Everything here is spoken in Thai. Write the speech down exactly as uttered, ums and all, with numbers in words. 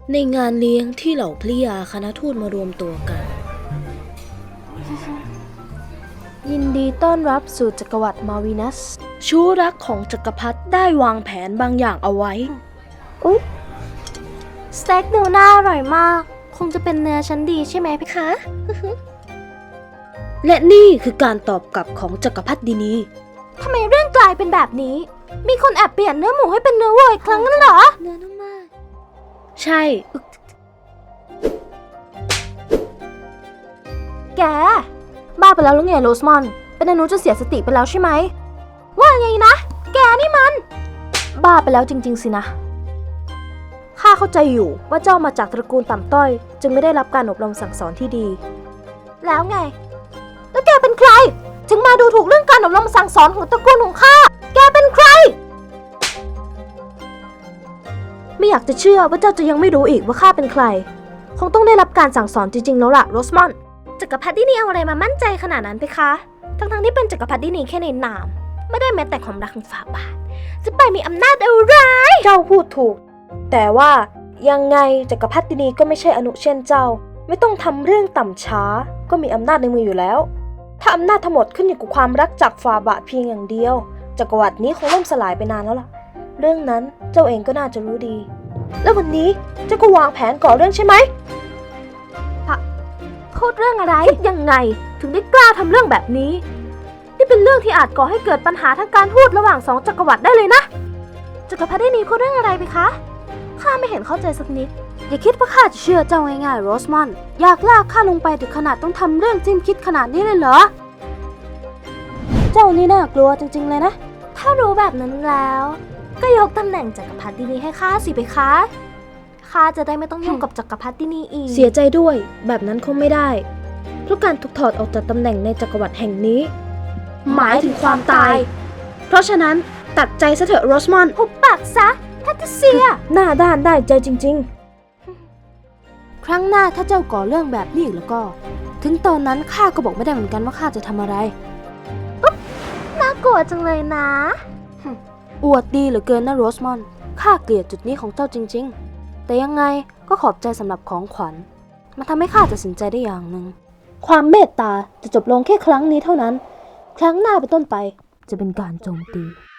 ในงานเลี้ยงที่เหล่าพริยาคณะทูตมารวมตัวกันยินดีต้อนรับสู่จักรวรรดิมาวินัสชู้รักของจักรพรรดิได้วางแผนบางอย่างเอาไว้อุ๊ยสเต็กเนื้อหน้าอร่อยมากคงจะเป็นเนื้อชั้นดีใช่ไหมพี่คะและนี่คือการตอบกลับของจักรพรรดินีทำไมเรื่องกลายเป็นแบบนี้ มีคนแอบเปลี่ยนเนื้อหมูให้เป็นเนื้อวัวอีกครั้งนั่นเหรอเนื้อนุ่มมากใช่แกบ้าไปแล้วหรือไงโรสมอนเป็นอนุจะเสียสติไปแล้วใช่ไหมว่าไงนะแกนี่มันบ้าไปแล้วจริงๆสินะข้าเข้าใจอยู่ว่าเจ้ามาจากตระกูลต่ำต้อยจึงไม่ได้รับการอบรมสั่งสอนที่ดีแล้วไงแล้วแกเป็นใครถึงมาดูถูกเรื่องการอบรมสั่งสอนของตระกูลของข้าแกเป็นใครไม่อยากจะเชื่อว่าเจ้าจะยังไม่รู้อีกว่าข้าเป็นใครคงต้องได้รับการสั่งสอนจริงๆแล้วล่ะโรสมอนจักรพรรดินี่เอาอะไรมามั่นใจขนาดนั้นไปคะทั้งๆที่เป็นจักรพรรดินี่แค่ในนามไม่ได้แม้แต่ความรักของฝ่าบาทจะไปมีอำนาจอะไรเจ้าพูดถูกแต่ว่ายังไงจักรพรรดินีก็ไม่ใช่อนุเช่นเจ้าไม่ต้องทำเรื่องต่ำช้าก็มีอำนาจในมืออยู่แล้วถ้าอำนาจทั้งหมดขึ้นอยู่กับความรักจากฝ่าบาทเพียงอย่างเดียวจักรวรรดินี้คงล่มสลายไปนานแล้วล่ะเรื่องนั้นเจ้าเองก็น่าจะรู้ดีแล้ววันนี้เจ้าก็วางแผนก่อเรื่องใช่ไหมพูดเรื่องอะไรคิดยังไงถึงได้กล้าทำเรื่องแบบนี้นี่เป็นเรื่องที่อาจก่อให้เกิดปัญหาทางการทูตระหว่างสองจักรวรรดิได้เลยนะจักรพรรดินีพูดเรื่องอะไรไปคะข้าไม่เห็นเข้าใจสักนิดอย่าคิดว่าข้าจะเชื่อเจ้าง่ายๆโรสมอนอยากลากข้าลงไปถึงขนาดต้องทำเรื่องจิ้มคิดขนาดนี้เลยเหรอเจ้านี่น่ากลัวจริงๆเลยนะถ้ารู้แบบนั้นแล้วก็ยกตำแหน่งจักรพรรดินีให้ข้าสิไปคะข้าจะได้ไม่ต้องยุ่งกับจักรพรรดินีอีกเสียใจด้วยแบบนั้นคงไม่ได้เพราะการถูกถอดออกจากตำแหน่งในจักรวรรดิแห่งนี้หมายถึงความตายเพราะฉะนั้นตัดใจซะเถอะโรสมอนหุบปากซะแพทริเซียหน้าด้านได้ใจจริงๆครั้งหน้าถ้าเจ้าก่อเรื่องแบบนี้อีกแล้วก็ถึงตอนนั้นข้าก็บอกไม่ได้เหมือนกันว่าข้าจะทำอะไรอุ๊บน่ากลัวจังเลยนะอวดดีเหลือเกินนะโรสมอนข้าเกลียดจุดนี้ของเจ้าจริงๆแต่ยังไงก็ขอบใจสำหรับของขวัญมันทำให้ข้าตัดสินใจได้อย่างหนึ่งความเมตตาจะจบลงแค่ครั้งนี้เท่านั้นครั้งหน้าเป็นต้นไปจะเป็นการโจมตี